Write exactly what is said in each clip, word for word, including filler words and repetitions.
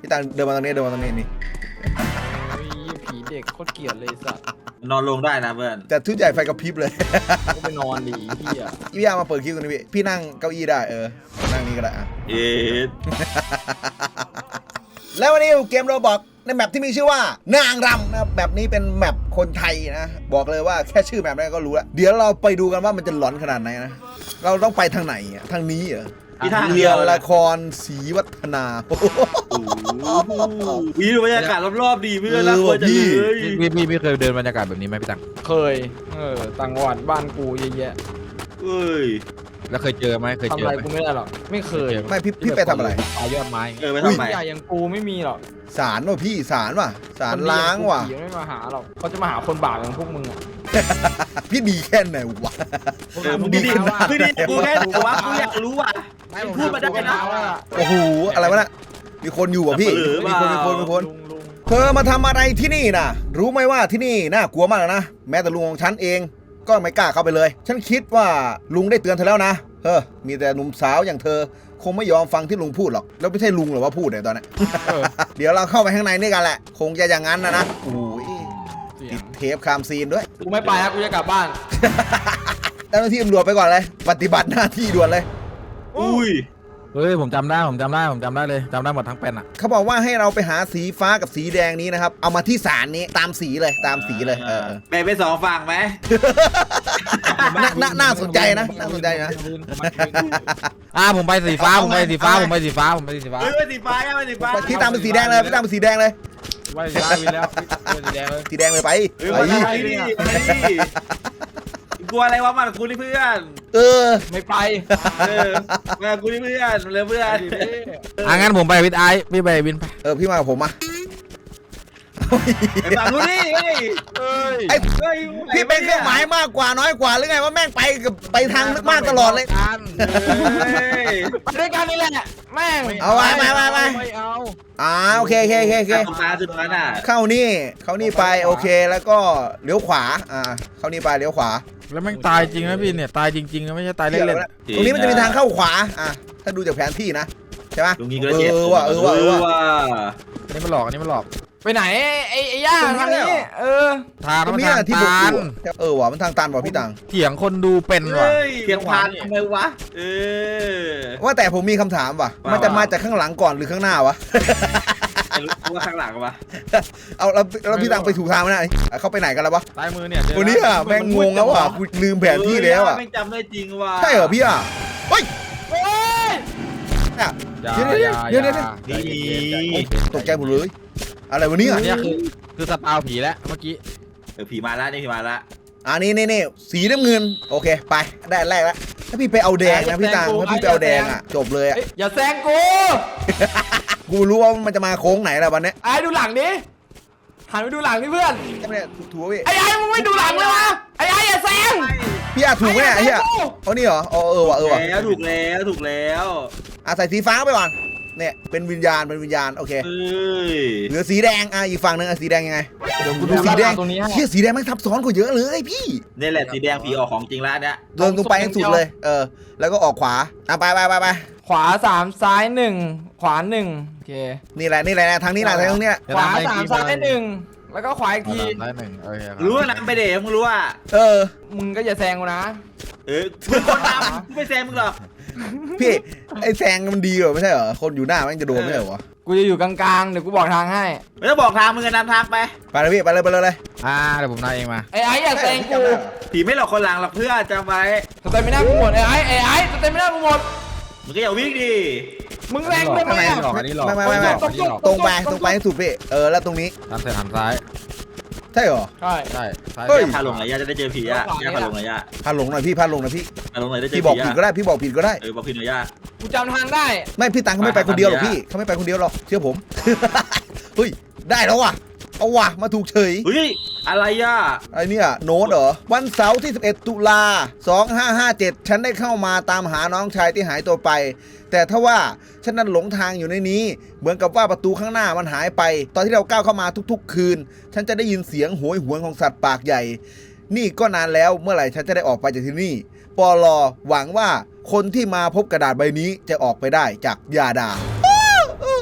พี่ตังเดินมาตรงนี้เดินมาตรงนี้นี่ผีเด็กโคตรเกลียดเลยสัตว์นอนลงได้นะเพื่อนแต่ทุกใหญ่ไฟกระพริบเลยก็ไปนอนดิพี่อ่ะพี่อามาเปิดคิวตรงนี้พี่พี่นั่งเก้าอี้ได้เออนั่งนี้ก็ได้อะเอ็ดแล้ววันนี้เกมโรบอกในแมปที่มีชื่อว่านางรำนะครับแบบนี้เป็นแมปคนไทยนะบอกเลยว่าแค่ชื่อแมปนั้นก็รู้แล้วเดี๋ยวเราไปดูกันว่ามันจะหลอนขนาดไหนนะเราต้องไปทางไหนอ่ะทางนี้เหรอเรียนละครศรีวัฒนาวิวบรรยากาศรอบๆดีเพื่อนรักคนจะเลยพี่พี่พี่เคยเดินบรรยากาศแบบนี้ไหมพี่ตังเคยเออต่างจังหวัดบ้านกูเยอะแยะเอ้ยแล้วเคยเจอไหมเคยเจอทำอะไรกูไม่ได้หรอกไม่เคยไม่พี่พี่ไปทำอะไรปลายอดไม้เออไปทำไมใหญ่อย่างกูไม่มีหรอกศาลว่ะพี่ศาลว่ะศาลล้างว่ะไม่มาหาหรอกเขาจะมาหาคนบาปอย่างพวกมึงอ่ะพี่ดีแค่ไหนวะมึงดีคือดีกูแค่แต่ว่ากูอยากรู้ว่ะพูดมาได้นะโอ้โหอะไรวะน่ะมีคนอยู่อ่ะพี่มีคนมีคนมีคนเธอมาทำอะไรที่นี่น่ะรู้ไหมว่าที่นี่น่ากลัวมากนะแม้แต่ลุงของฉันเองก็ไม่กล้าเข้าไปเลยฉันคิดว่าลุงได้เตือนเธอแล้วนะเฮ้อมีแต่หนุ่มสาวอย่างเธอคงไม่ยอมฟังที่ลุงพูดหรอกแล้วไม่ใช่ลุงหรอว่าพูดเนี่ยตอนนี้เดี๋ยวเราเข้าไปข้างในนี่กันแหละคงจะอย่างนั้นนะนะโอ้ยติดเทปคามซีนด้วยกูไม่ไปครับกูจะกลับบ้านเจ้าหน้าที่ตำรวจไปก่อนเลยปฏิบัติหน้าที่ด่วนเลยอุ้ยเฮ้ยผมจำได้ผมจำได้ผมจำได้เลยจำได้หมดทั้งเป็นอ่ะเขาบอกว่าให้เราไปหาสีฟ้ากับสีแดงนี้นะครับเอามาที่ศาลนี้ตามสีเลยตามสีเลยเออแบ่งเป็นสองฝั่งไหมน่าน่าสนใจนะน่าสนใจนะอ่าผมไปสีฟ้าผมไปสีฟ้าผมไปสีฟ้าผมไปสีฟ้าเฮ้ยไปสีฟ้าไปสีฟ้าที่ตามเป็นสีแดงเลยพี่ตามเป็นสีแดงเลยไปสีฟ้าวินแล้วสีแดงเลยสีแดงเลยไปไปดิกลัวอะไรวะมากูนี่เพื่อนเออไม่ไปเออมากูนี่เพื่อนเลยเพื่อนอ่ะงั้นผมไปวินไอพี่ไปวินไปเออพี่มากับผมมาไอ้ฝั่งนู้นนี่ไอ้พี่เป็นเครื่องหมายมากกว่าน้อยกว่าหรือไงว่าแม่งไปกับไปทางมากตลอดเลยไปด้วยกันนี่แหละแม่งเอาไปไปไปไปอ่าโอเคโอเคโอเคโอเคเข้านี่เข้านี่ไปโอเคแล้วก็เลี้ยวขวาอ่าเข้านี่ไปเลี้ยวขวาแล้วแม่งตายจริงนะพี่เนี่ยตายจริงๆนะไม่ใช่ตายเล่นๆตรงนี้มันจะมีทางเข้าขวาอ่ะถ้าดูจากแผนที่นะใช่ไหมเออว่ะเออว่ะเออว่ะอันนี้มันหลอกอันนี้มันหลอกไปไหนไอ้ไอ้ย่าทางนี้เออทางมันทางตันเออว่ะมันทางตันว่ะพี่ตังเถียงคนดูเป็นว่ะเถียงผ่านทำไมวะเออว่าแต่ผมมีคำถามว่ะมันจะมาจากข้างหลังก่อนหรือข้างหน้าวะรู้ว่าข้างหลังวะเอาแล้วแล้วพี่ตังไปถูกทางไหมนะเขาไปไหนกันแล้ววะซ้ายมือเนี่ยวันนี้อ่ะแม่งงงแล้วว่ะลืมแผนที่แล้วอ่ะไม่จำได้จริงว่ะใช่เหรอพี่อ่ะเฮ้ยเดี๋ยวเดี๋ยวเดี๋ยวตกใจหมดเลยอะไรวะเนี่ยอันนี้คือคือสปาวผีแล้วเมื่อกี้เออผีมาแล้วนี่ผีมาแล้วอันนี้นี่นี่สีน้ำเงินโอเคไปได้แรกแล้วถ้าพี่ไปเอาแดงนะพี่ตังถ้าพี่ไปเอาแดงอ่ะจบเลยอ่ะอย่าแซงกูกูรู้ว่ามันจะมาโค้งไหนแล้ววันนี้ไอ้ดูหลังดิหันไปดูหลังดิเพื่อนเนี่ยถูกพี่ไอ้ไอ้มึงไม่ดูหลังเลยวะไอ้ไอ้อย่าแซงพี่อาถูกไหมเนี่ยไอ้เหี้ยเขานี่เหรอเออเออว่ะเออว่ะแล้วถูกแล้วถูกแล้วอ่ะใส่สีฟ้าไปก่อนเนี่ยเป็นวิญญาณเป็นวิญญาณโอเคเหลือสีแดงอ่ะอีกฝั่งนึงอ่ะสีแดงยังไงเดี๋ยวกูดูสีแดงเชี่ยสีแดงมันทับซ้อนกว่าเยอะเลยพี่นี่แหละสีแดงผีออกของจริงแล้วเนี่ยเดินตรงไปให้สุดเลยเออแล้วก็ออกขวาอ่ะไปไปไปไปขวาสามซ้ายหนึ่งขวาหนึ่งโอเคนี่แหละนี่แหละทางนี้แหละทางนี้แหละขวาสามซ้ายหนึ่งแล้วก็ขวาอีกทีรู้ว่าน้ำไปเดี๋ยวมึงรู้ว่าเออมึงก็อย่าแซงกูนะเออมึงคนน้ำกูไม่แซงมึงหรอกพี่ไอ้แซงมันดีเหรอไม่ใช่เหรอคนอยู่หน้ามันจะโดนไม่ใช่เหรอกูจะอยู่กลางๆเดี๋ยวกูบอกทางให้ไม่ต้องบอกทางมึงจะนำทางไปไปเลยพี่ไปเลยไปเลยเลยอ่าเดี๋ยวผมนายเองมาไอ้ไอ้อย่าแซงกูผีไม่หลอกคนหลังหรอกเพื่อจำไว้สเตมิน่ากูหมดไอ้ไอ้ไอ้ไอ้สเตมิน่ากูหมดมึงก็อย่าวิ่งดิมึงแรงได้ไหมหลอกอันนี้หลอกไม่ไม่ไม่ตรงไปตรงไปให้สุดพี่เออแล้วตรงนี้ทำเสร็จหันซ้ายใช่เหรอใช่ใช่เฮ้ยพาลงไหนย่าจะได้เจอผีอ่ะย่าพาลงไหนย่าพาลงหน่อยพี่พาลงหน่อยพี่พาลงไหนได้เจอผีพี่บอกผิดก็ได้พี่บอกผิดก็ได้เออบอกผิดหน่อยย่ากูจำทางได้ไม่พี่ตังเขาไม่ไปคนเดียวหรอกพี่เขาไม่ไปคนเดียวหรอกเชื่อผมเฮ้ยได้แล้วว่ะเอาว่ะมาถูกเฉยเฮ้ยอะไรอ่ะไอ้นี่โน้ตเหรอวันเสาร์ที่สิบเอ็ดตุลาสองห้าห้าเจ็ดฉันได้เข้ามาตามหาน้องชายที่หายตัวไปแต่ถ้าว่าฉันนั้นหลงทางอยู่ในนี้เหมือนกับว่าประตูข้างหน้ามันหายไปตอนที่เราก้าวเข้ามาทุกๆคืนฉันจะได้ยินเสียงโหยหวนของสัตว์ปากใหญ่นี่ก็นานแล้วเมื่อไหร่ฉันจะได้ออกไปจากที่นี่ปลอหวังว่าคนที่มาพบกระดาษใบนี้จะออกไปได้จากยาดาเอ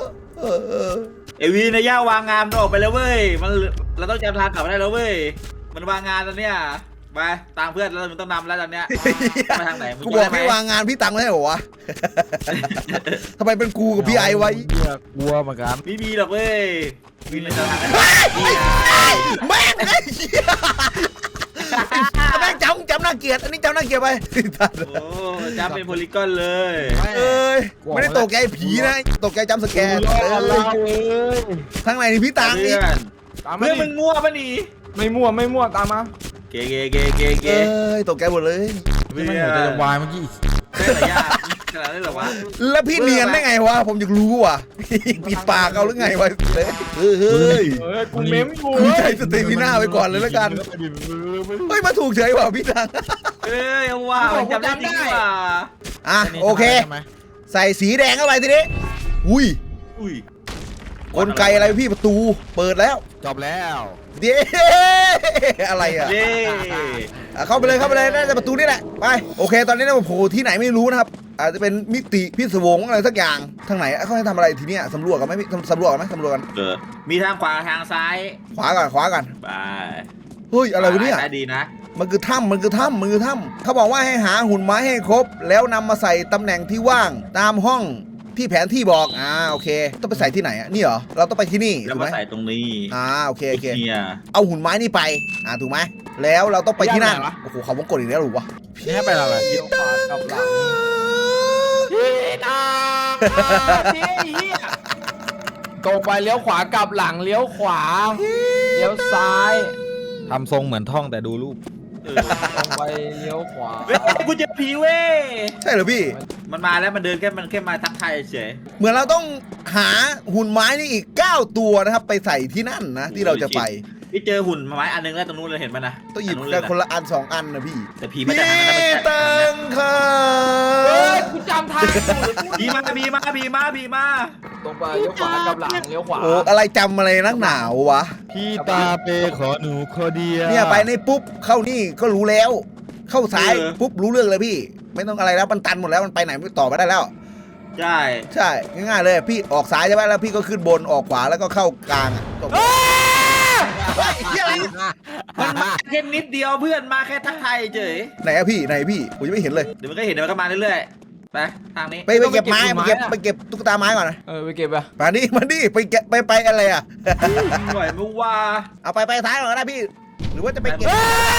เอวีในย่าวางงานมันออกไปแล้วเว้ยมันเราต้องจำทางกลับมาได้แล้วเว้ยมันวางงานตอนเนี้ยไปตามเพื่อนแล้วมันต้องนำแล้วตอนเนี้ยไปทางไหนกูบอกพี่วางงานพี่ตังค์ไม่ให้เหรอวะทำไมเป็นกูกับพี่ไอไว้เหี้ยกลัวเหมือนกันไม่มีหรอกเว้ยมีในทางไหนแม่งไอ้เหี้ยแม่งจำจำน่าเกลียดอันนี้จำน่าเกลียดไปโอ้จำเป็นโพลีกอนเลยเอ้ยไม่ได้ตกใจผีนะตกใจจำสแกนรอดแล้วเว้ยทางไหนนี่พี่ตังค์เพื่นี่อนตามมาเพื่อนดิมึงมั่วปะนี่ไม่มั่วไม่มั่วตามมาเกเกเกเกเกเอ้ยตกใจหมดเลยไม่ไม่หัวใจจะวายเมื่อกี้ใช่ไหมยากขนาดนั้นหรอวะแล้วพี่เนียนได้ไงวะผมอยากรู้ว่ะปิดปากเอาหรือไงวะเฮ้ยเฮ้ยเฮ้ยกูเมมอยู่กูใจสเตมิน่าไปก่อนเลยแล้วกันเฮ้ยมาถูกเฉยว่ะพี่ตังค์เอ้ยเอาว่ามันจำได้จริงว่ะอ่ะโอเค ใส่สีแดงเข้าไปทีนี้อุ้ยอุ้ยกลไกอะไรพี่ประตูเปิดแล้วจบแล้วเด้อะไรอ่ะเย้อ่ะเข้าไปเลยเข้าไปเลยน่าจะประตูนี่แหละไปโอเค ตอนนี้เราโผล่ที่ไหนไม่รู้นะครับอาจจะเป็นมิติพิศวงอะไรสักอย่างทางไหนเขาให้ทำอะไรทีเนี้ยสำรวจกันไหมพี่สำรวจกันไหมสำรวจกันเออมีทางขวาทางซ้ายขวาก่อนขวาก่อนไปเฮ้ยอะไรวะเนี่ยซ้ายดีนะมันคือถ้ำมันคือถ้ำมันคือถ้ำเขาบอกว่าให้หาหุ่นไม้ให้ครบ แล้วนำมาใส่ตำแหน่งที่ว่างตามห้องที่แผนที่บอกอ่าโอเค ต้องไปใส่ที่ไหนอ่ะนี่เหรอเราต้องไปที่นี่แล้วถูกมาไหมใส่ตรงนี้อ่าโอเคโอเคเนี่ยเอาหุ่นไม้นี่ไปอ่าถูกไหมแล้วเราต้องไปที่นั่นโอ้โหเขาวงกดอีกแล้วหรือวะนี่ให้ไปอะไรเลี้ยวขวากับหลังพี่ตาพี่เหี้ยตรงไปเลี้ยวขวากลับหลังเลี้ยวขวาเลี้ยวซ้ายทำทรงเหมือนท่องแต่ดูรูปเออตรงไปเลี้ยวขวาเว้ยกูเจอผีเว้ยใช่เหรอพี่มันมาแล้วมันเดินแค่มันแค่มาทักทายเฉยเหมือนเราต้องหาหุ่นไม้นี่อีกเก้าตัวนะครับไปใส่ที่นั่นนะที่เราจะไปพี่เจอหุ่นไม้อันนึงแล้วตรงนู้นเลยเห็นมันนะต้องหยิบนนู้นกัเลนยคนละอันสองอันนะพี่แต่ผีมาจากทางนั้นนะพี่มันตังค่ะเฮ้ยกูจำทางอยู่ผีมาผีมาผีมาผีมาตรงไปเลี้ยวขวากลับหลังเลี้ยวขวาโอ้อะไรจำอะไรนักหนาววะพี่ตาเปขอหนูขอเดียวเนี่ยไปในปุ๊บเข้านี่ก็รู้แล้ว เข้าซ้ายปุ๊บรู้เรื่องเลยพี่ ไม่ต้องอะไรแล้วมันตันหมดแล้วมันไปไหนไม่ต่อไม่ได้แล้วใช่ใช่ง่ายๆเลยพี่ออกซ้ายใช่ไหมแล้วพี่ก็ขึ้นบนออกขวาแล้วก็เข้ากลางอ่ะจบเฮ้ยเหี้ยอะไรมันมาแค่นิดเดียวเพื่อนมาแค่ทักทายเฉยไหนอะพี่ไหนพี่ผมยังไม่เห็นเลยเดี๋ยวมันก็เห็นเดี๋ยวมันก็มาเรื่อยๆไปทางนี้ไปไปเก็บไม้ไปเก็บไปเก็บตุ๊กตาไม้ก่อนนะเออไปเก็บอะมาดิมาดิไปเก็บไปไปอะไรอ่ะหน่วยมึงว่าเอาไปไปท้ายก่อนก็ได้พี่ หรือว่าจะไปเก็บ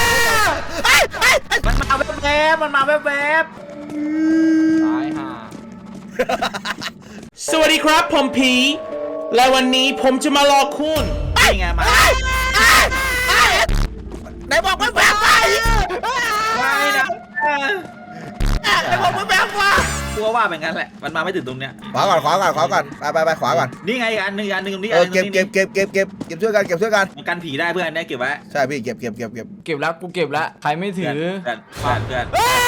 มันมาแวบๆมันมาแวบซ้ายห่าสวัสดีครับผมผี และวันนี้ผมจะมาหลอกคุณๆนี่ไงมาไหนบอกไม่แบบไปไม่นะไหนบอกไม่แบบว่ากลัวว่าเป็นงั้นแหละมันมาไม่ถึงตรงเนี้ยขวาก่อนขวาก่อนขวาก่อนไปไปไปขวาก่อนนี่ไงอีกอันหนึงอีกอันหนึงตรงนี้เอออันหนึ่งเก็บตรงเก็นี้บเก็บเก็บเก็บเก็บช่วยกันเก็บช่วยกันมันกันผีได้เพื่อนได้เก็บไว้ใช่พี่เก็บเก็บเก็บเก็บเก็บแล้วกูเก็บแล้วใครไม่ถือเพื่อนเพื่อนเพื่อน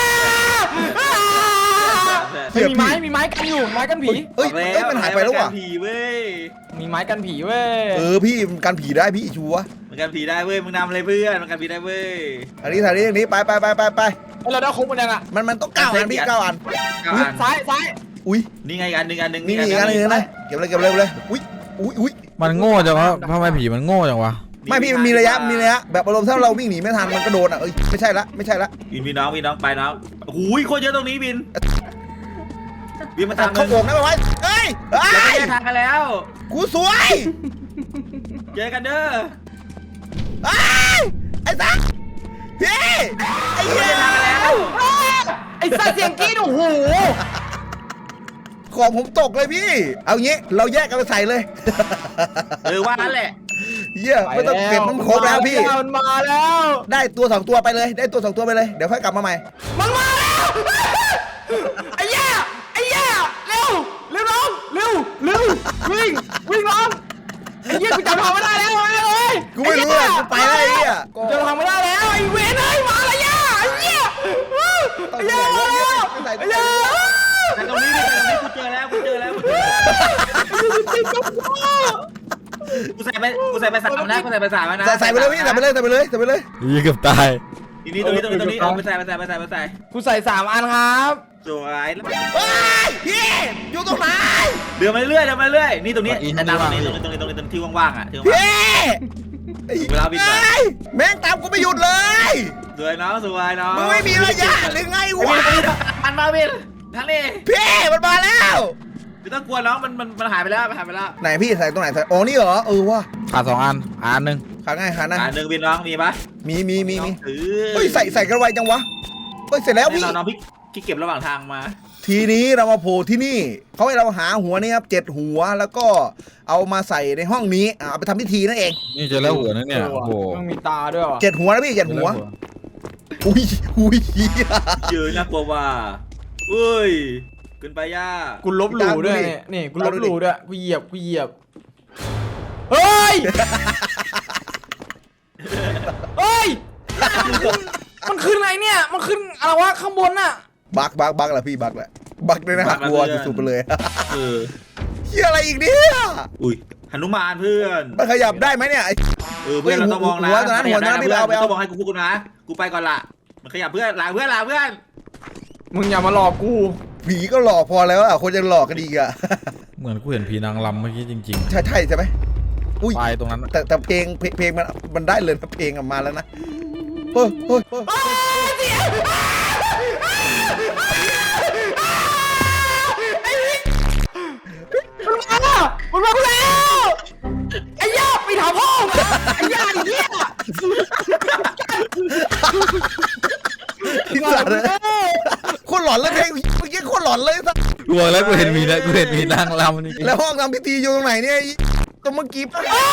เพื่อนเฮ้ยมีไม้มีไม้กันอยู่ไม้กันผีเอ้ยเอ้ยมันหายไปแล้วว่ะมันกันผีเว้ยมีไม้กันผีเว้ยเออพี่มันกันผีได้พี่ชัวร์มันกันผีได้เว้ยมึงนำเลยเพื่อนมันกันผีได้เว้ยอันนี้ทางนี้ทางนี้ไปไปไปไปไปเฮ้ยเราได้ครบหมดยังอะมันมันต้องเก้าอันพี่เก้าอันเก้าอันซ้ายซ้ายอุ้ยนี่ไงอีกอันหนึ่งอันหนึ่งนี่นี่อีกอันหนึงนะเก็บเลยเก็บเลยเก็บเลยอุ้ยอุ้ยอุ้ยมันโง่จังวะทำไมผีมันโง่จังวะไม่พี่มันมีระยะมีระยะแบบอารมณ์ถ้าเราวิ่งหนีไม่ทันมันก็โดนอ่ะเอ้ยไม่ใช่ละไม่ใช่ละบินพี่น้องพี่น้องไปน้องหูยโคตรเยอะตรงนี้บินบินมาทางเขานึงโบกนะไปไว้เฮ้ยเฮ้เราไปยแยกทางกันแล้วกูสวยเจอกันเด้อไอ้ยไอ้สัสพี่ไอ้เหี้ยไอ้สัตว์เสียงกรี๊ดโอ้โหของผมตกเลยพี่ เอางี้เราแยกกันไปใส่เลยเออว่านั่นแหละเหี้ยไม่ต้องเก็บมันครบแล้วพี่มันมาแล้วได้ตัวสองตัวไปเลย ได้ตัวสองตัวไปเลยเดี๋ยวค่อยกลับมาใหม่มันมาแล้วไอ้แย่ไอ้แย่เร็วเร็วน้องเร็วเร็ววิ่งวิ่งน้องไอ้เหี้ยกูจำทางไม่ได้แล้วเอ้ยกูไม่รู้อะกูไปแล้วไอ้เหี้ยจำทางไม่ได้แล้วไอ้เวนเอ้ยมาแล้วย่าไอ้เหี้ยไอ้เหี้ยมาแล้วไอ้เหี้ยแต่ตรงนี้ดิแต่ตรงนี้กูเจอแล้วกูเจอแล้วกูเจอแล้วกูใส่ไปกูใส่ไปสามนะกูใส่ไปสามนะใส่ใส่ไปเลยพี่ใส่ไปเลยใส่ไปเลยใส่ไปเลยยี่เกือบตายทีนี้ตรงนี้ตรงนี้ตรงนี้เอาไปใส่ไปใส่ไปใส่ไปใส่กูใส่สามอันครับสวยเฮ้ยพี่อยู่ตรงไหนเดินมาเรื่อยเดินมาเรื่อยนี่ตรงนี้ตรงนี้ตรงนี้ตรงนี้ตรงนี้ตรงนี้ตรงที่ว่างๆอ่ะที่ว่างพี่เวลาวิ่งไปเฮ้ยแม่งตามกูไม่หยุดเลยสวยน้องสวยน้องมึงไม่มีระยะหรือไงวะมันมาวินทั้งนี้พี่มันมาแล้วไม่ต้องกลัวน้องมันมันมันหายไปแล้วมันหายไปแล้วไหนพี่ใส่ตรงไหนใส่อ๋อนี่เหรอเออว่ะขาดสองอันอันหนึ่งขาง่ายขานะอ่าหนึ่งวินน้องมีปะมีมีมีมีเออเฮ้ยใส่ใส่กันไวจังวะเฮ้ยเสร็จแล้วพี่น้องน้องพี่พี่เก็บระหว่างทางมาทีนี้เรามาโผล่ที่นี่เขาให้เราหาหัวนี่ครับเจ็ดหัวแล้วก็เอามาใส่ในห้องนี้อ่ะเอาไปทำพิธีนั่นเองนี่เจอแล้วหัวนั่นเนี่ยโอ้โหมันมีตาด้วยวะเจ็ดหัวนะพี่เจ็ดหัวอุ้ยอุ้ยเจอน่ากลัวว่าอุ้ยขึ้นไปย่ากูลบหลู่ด้วยเนี่ยนี่กูลบหลู่ด้วยกูเหยียบกูเหยียบเฮ้ยเฮ้ยมันขึ้นอะไรเนี่ยมันขึ้นอะไรวะข้างบนน่ะบักบักบักแหละพี่บักแหละบักเลยนะฮะกลัวสุดๆไปเลยเออเฮียอะไรอีกเนี่ยอุ้ยหนุมานเพื่อนมันขยับได้ไหมเนี่ยไอ้เออเพื่อนเราต้องมองนะหัวตอนนั้นหัวตอนนั้นพี่เอาไปเอาต้องมองให้กูพูดกูนะกูไปก่อนละมันขยับเพื่อนลาเพื่อนลาเพื่อนมึงอย่ามาหลอกกูผีก็หลอกพอแล้วอ่ะคนจะหลอกกันดีอ่ะเหมือนกูเห็นผีนางรำเมื่อกี้จริงใช่ใช่ใช่ไหมอุ้ยๆไปตรงนั้นแต่แต่เพลงเพลงเพลงมันมันได้เลยนะเพลงออกมาแล้วนะเฮ้ยเฮ้ยเฮ้ยมันมามันมาแล้วไอ้ย่าไปถามพ่อมาไอ้ย่าไอ้เหี้ยที่สัตว์เลยโคตรหลอนเลยเพลงเมื่อกี้โคตรหลอนเลยสัตว์กูบอกแล้วกูเห็นผีนะกูเห็นผีนางรำจริงๆแล้วห้องทำพิธีอยู่ตรงไหนเนี่ยไอ้ก็เมื่อกี้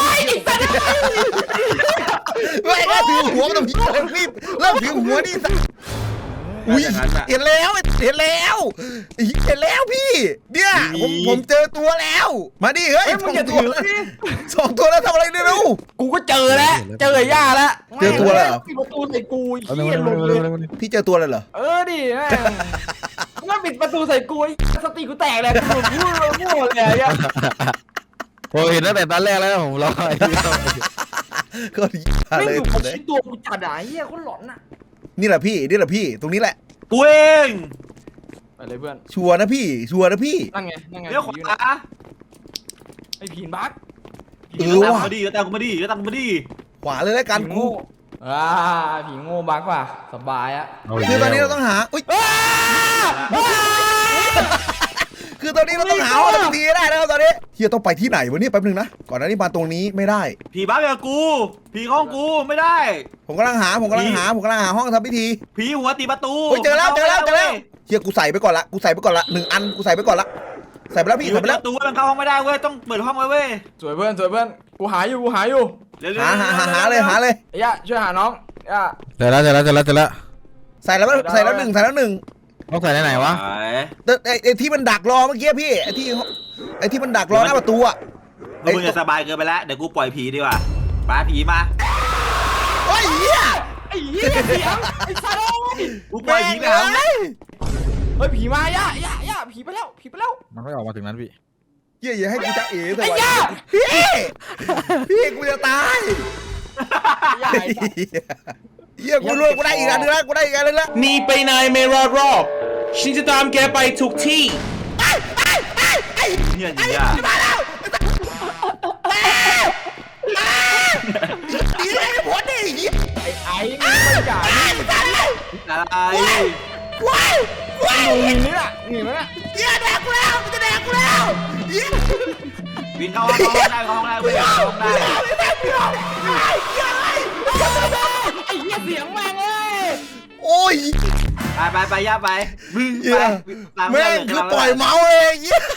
ไม่ก็ถือหัวมันต้องพี่เริ่มรีบเริ่มถือหัวนี่สัตว์อุ้ยเห็นแล้วเห็นแล้วเห็นแล้วพี่เนี่ยผมผมเจอตัวแล้ว มาดิเฮ้ยเฮ้ยสมึอง งอย่าตัถืวอดิสองตัวแล้วทำอะไรเนี่ยลูกกูก็เจอแล้วเจอไอ้ย่าแล้วเจอตัวแล้วเหรอปิดประตูใส่กูไอ้เอาเหี้ยหลุดเลยพี่เจอตัวเลยเหรอเออดิแม่งมันปิดประตูใส่กูไอ้สติกูแตกเลยกูพูดเลยพูดเลยไอ้ย่าผมเห็นตั้งแต่ตอนแรกแล้วผมรอไอ้ที่ต้องก็ดีไม่เลยอยู่กับชิ้นตัวกูจัดอ่ะไอ้เหี้ยคนหลอนอ่ะนี่แหละพี่นี่แหละพี่ตรงนี้แหละกูเองไปเลยเพื่อนชัวร์นะพี่ชัวร์นะพี่นั่งไงนั่งไงเลี้ยวขผีอยู่วานะไอ้ผีบักเอเลี้ยวอตามว่ะกูมาดิเลี้ยวตามกูมาดิเลี้ยวตามกูมาดิขวาเลยแล้วกันผีกูโง่อ่าผีโง่บักว่ะสบายอ่ะคือตอนนี้เราต้องหาอุ้ยคือตอนนี้เราต้องหาว่าทำทีได้แล้วตอนนี้เฮียต้องไปที่ไหนวะเนี่ยแป๊บนึงนะก่อนหน้านี้มาตรงนี้ไม่ได้ผีบ้าแบบกูผีห้องกูไม่ได้ผมกำลังหาผมกำลังหาผมกำลังหาห้องทำพิธีผีหัวตีประตูเฮ้ยเจอแล้วเจอแล้วเจอแล้วเฮียกูใส่ไปก่อนละกูใส่ไปก่อนละหนึ่งอันกูใส่ไปก่อนละใส่ไปแล้วผีพี่หัใส่วไปตีแล้ปวระตูมันเข้าห้องไม่ได้เว้ยต้องเปิดห้องไว้เว้ยสวยเพื่อนสวยเพื่อนกูหาอยู่กูหาอยู่เร็วๆหาหาหาหาเลยหาเลยไอ้ย่าช่วยหาน้องย่าเจอแล้วเจอแล้วเจอแล้วเจอแล้วใส่แล้วใส่แล้วหนึ่งใส่แล้วหนึ่งต้องใส่ไหนไหนวะไปแต่ไอ้ไอ้ที่มันดักรอเมื่อกี้พี่ไอ้ที่ไอ้ที่มันดักรอหน้าประตูอ่ะมึงจะสบายเกินไปแล้วเดี๋ยวกูปล่อยผีดีกว่าปาผีมาโอ้ยเฮียไอ้เหี้ยเสียงไอ้สัตว์กูปล่อยผีไปหาแม่งเฮ้ยผีมาย่าย่าย่าผีไปแล้วผีไปแล้วมันก็ออกมาถึงนั้นพี่เฮียอย่าให้กูจะเอ๋สไอ้วัสย่าดีพี่พี่กูจะตายย่าไอ้สัตว์เฮียกูรวยกูได้อีกอันนึงแล้วกูได้อีกอันนึงแล้วหนีไปไหนไม่รอดหรอกฉันจะตามแกไปทุกที่เนี่ยจริงอ่ะมาแล้วดีเลยไม่พ้นดิเฮียไอ้ไอ้มึงไม่จ่ายอะไรว้ายว้ายดูหินนี่น่ะหินนั่นน่ะเฮียแดกกูแล้วมันจะแดกกูแล้วเฮียวินเข้าห้องได้เข้าห้องได้เว้ยเข้าห้องได้ไอ้เหี้ยเสียงแม่งเอ้ยโอ้ยไปไปไปย่าไปมึงเฮีไปยตามแม่งคือปล่อยเมาส์เลยเฮีย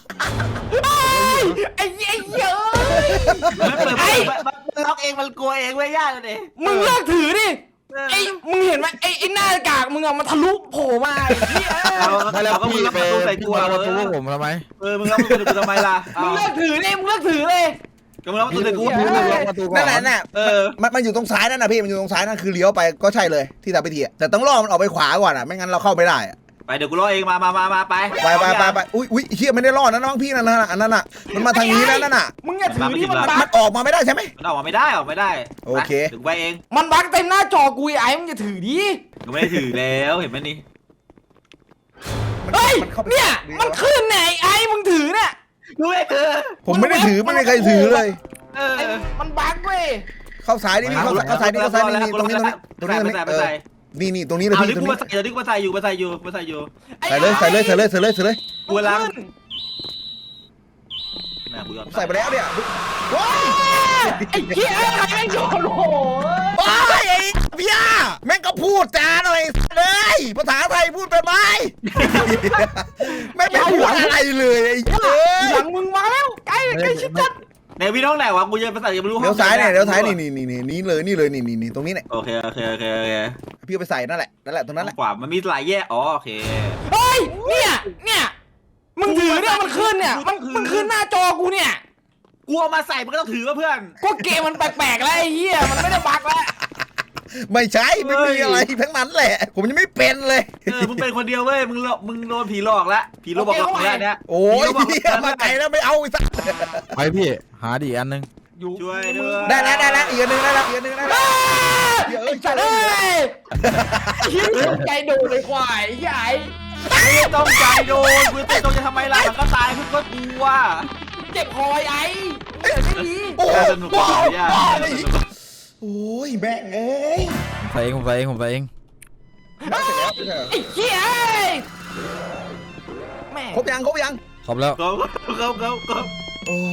ไอ้เหี้ยเยอะมันเปิดมันล็อกเองมันกลัวเองเว้ยย่าเลยดิมึงเลิกถือดิไอ้มึงเห็นไหมไอ้ไอ้หน้ากากมึงอะมันทะลุโผล่มาไอ้เหี้ยเราไม่แล้วเราก็มึงพี่ล็อกไปประตูใส่ตัวประเอตูอผมทำไมเออมึงล็อกประตูทำไมล่ะมึงเลิกถือดิมึงเลิกถือเลยก็มึงล็อกประตูใส่กูพี่พี่ล็อกประตูก่อนนั่นแหละน่ะเออมันมันอยู่ตรงซ้ายนั่นนะพี่มันอยู่ตรงซ้ายนั่นคือเลี้ยวไปก็ใช่เลยที่ทำพิธีอะแต่ต้องล่อมันออกไปขวาก่อนอ่ะไม่งั้นเราเข้าไม่ได้อะไปเดี๋ยวกูรอเองมามามามาไปไปไปไปไปอุ้ยอุ้ยเฮียไม่ได้ล่อนะน้องพี่นั่นน่ะอันนั้นน่ะมันมาทางนี้แล้วนั่นน่ะมึงอย่าถือที่มันบัมักนออกมาไม่ได้ใช่ไหมมันออกมาไม่ได้ออกไม่ได้โอเคถึงไปเองมันบักเต็มหน้าจอกูไอ้ไอ้มึงอย่าถือดิกูไม่ได้ถือแล้วเห็นไหมนี่มันเฮ้ยมันเข้าไปเนี่ยมันขึ้นไหนไอ้มึงถือเนี่ยดูไอ้เธอผมไม่ได้ถือไม่มีใครถือเลยเออไอ้มันบั๊กเว้ยเข้าสายนี่นี่เข้าเข้าสายนี่เข้าสายนี่นี่ตรงนี้ตรงนี้ตรงนี้ตรงนี้ไปเออใส่นี่นี่ตรงนี้เลยเอาพี่ดิตรงกูนี้มาใส่เดี๋ยวดิกูมาใส่อยู่มาใส่อยู่มาใส่อยู่ใส่เลยใส่เลยใส่เลยใส่เลยใส่เลยกูล้างขึ้นแม่กูยอมใส่ไปแล้วเนี่ยว้ายไอ้เหี้ยใครไม่โดนโอ้โหว้ายไอ้พี่อาแม่งก็พูดจาหน่อยเลยภาษาไทยพูดเป็นไหมแม่งไม่พูดอะไรเลยไอ้เอ้ยหลังมึงมาแล้วใกล้ใกล้ชิดจัดในพี่น้องไหนวะกูยังภาษายังไม่รู้เดี๋ยวซ้ายเนี่ยเดี๋ยวซ้ายนี่นี่นี่นี่นี่เลยนี่เลยนี่นี่นี่ตรงนี้เนี่ยโอเคโอเคโอเคโอเคพี่เอาไปใส่นั่นแหละนั่นแหละตรงนั้นแหละขวามันมีหลายแยกอ๋อโอเคเฮ้ยเนี่ยเนี่ยมึงถือเนี่ยมันขึ้นเนี่ยมันมันขึ้นหน้าจอกูเนี่ยกูเอามาใส่มันก็ต้องถือว่าเพื่อนก็เกมมันแปลกๆแล้วไอ้เหี้ยมันไม่ได้บั๊กแล้วไม่ใช่ไม่มีอะไรทั้งนั้นแหละ ผมยังไม่เป็นเลยเออมึงเป็นคนเดียวเว้ยมึงหลอกมึงโดนผีหลอกละผีหลอกบอกหลอกแล้วเนี่ยโอ้ยเหี้ยมาไกลแล้วไม่เอาอีกสักไปพี่หาดิอันนึงอยู่ช่วยด้วยได้แล้วได้แล้วอีกอันหนึงได้แล้วอีกอันหนึงได้แล้วเดี๋ยวเอ้ไอ้ยสัตว์เอ้ยยิ้มใจดูเลยควายใหญ่ไม่ต้องใจโดนกูจะต้องจะทำไมล่ะมันก็ตายเพื่อนก็กลัวเจ็บคอไอ้เดี๋ยวไม่ดีโอ้โหสนุกบ้าดีอ่ะบ้าเลยโอ้ยแม่งเอ้ยผมใส่เองผมใส่เองผมใส่เองได้เสร็จแล้วไม่ใช่เหรอไอ้เหี้ยแม่ครบยังครบยังครบแล้วเขาเขาเขาเขาโอ้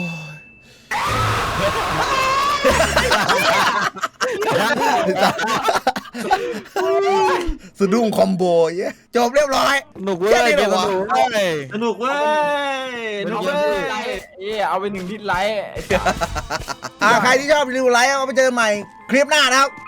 ยสะดุ้งคอมโบเย้ยจบเรียบร้อยหนุกเว้ยแค่นี้เหรอวะเกมสนุกเว้ยสนุกเว้ยสนุกเว้ยเอ้ยเอาไปหนึ่งทิศไลท์อ่าใครที่ชอบรีวิวไลฟ์เอาไปเจอกันใหม่คลิปหน้านะครับ